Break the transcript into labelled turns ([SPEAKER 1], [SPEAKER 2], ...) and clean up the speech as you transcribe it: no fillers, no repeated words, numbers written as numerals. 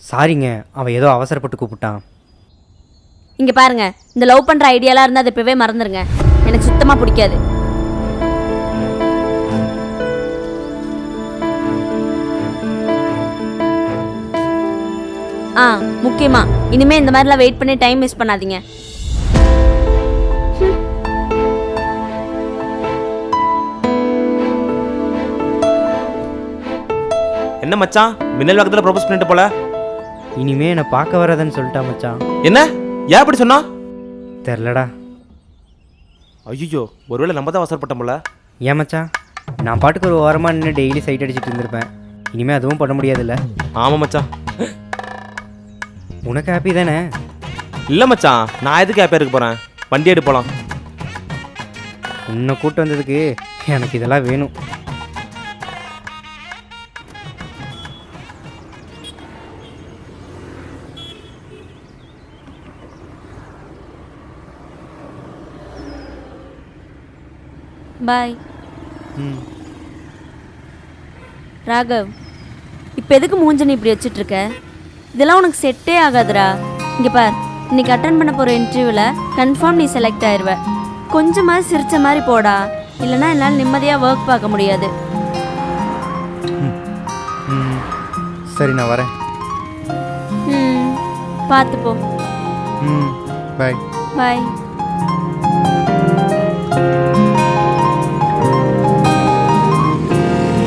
[SPEAKER 1] சாரிங்க, அவன் ஏதோ அவசரப்பட்டு கூப்பிட்டான்.
[SPEAKER 2] இங்கே பாருங்க, இந்த லவ் பண்ணுற ஐடியாலாம் இருந்தால் அதை இப்போவே மறந்துடுங்க. எனக்கு சுத்தமாக பிடிக்காது. முக்கியமா இனிமே இந்த மாதிரிலாம் வெயிட் பண்ணி டைம் வேஸ்ட் பண்ணாதீங்க.
[SPEAKER 3] என்ன மச்சான், மின்னல் வேகத்தில் ப்ரொபோஸ் பண்ணிட்டு போல?
[SPEAKER 1] இனிமே என்னை பார்க்க வராதுன்னு சொல்லிட்டா மச்சான்.
[SPEAKER 3] என்ன ஏன் அப்படி சொன்னா?
[SPEAKER 1] தெரிலடா.
[SPEAKER 3] ஐயோ, ஒருவேளை நம்ம தான் அவசரப்பட்டோம் போல.
[SPEAKER 1] ஏன் மச்சான், நான் பாட்டுக்கு ஒரு ஓரமாக நின்று டெய்லி சைட் அடிச்சுட்டு இருந்திருப்பேன். இனிமேல் அதுவும் பண்ண முடியாதுல்ல?
[SPEAKER 3] ஆமாம் மச்சான்.
[SPEAKER 1] உனக்கு ஹாப்பி தானே?
[SPEAKER 3] இல்லை மச்சான், நான் எதுக்கு ஹாப்பியாக இருக்க போகிறேன்? வண்டி எடுத்து போகலாம்.
[SPEAKER 1] உன்னை கூட்டு வந்ததுக்கு எனக்கு இதெல்லாம் வேணும்.
[SPEAKER 2] பாய். ராகவ், இப்போ எதுக்கு மூஞ்சனி இப்படி வச்சுட்ருக்க? இதெல்லாம் உனக்கு செட்டே ஆகாதுடா. இங்கே பார், இன்னைக்கு அட்டன் பண்ண போகிற இன்டர்வியூவில் கன்ஃபார்ம் நீ செலக்ட் ஆயிடுவ. கொஞ்சமாக சிரித்த மாதிரி போடா, இல்லைனா என்னால் நிம்மதியாக ஒர்க் பார்க்க முடியாது.
[SPEAKER 1] சரி, நான் வரேன்.
[SPEAKER 2] பார்த்து போ.
[SPEAKER 1] பாய்.
[SPEAKER 2] பாய்.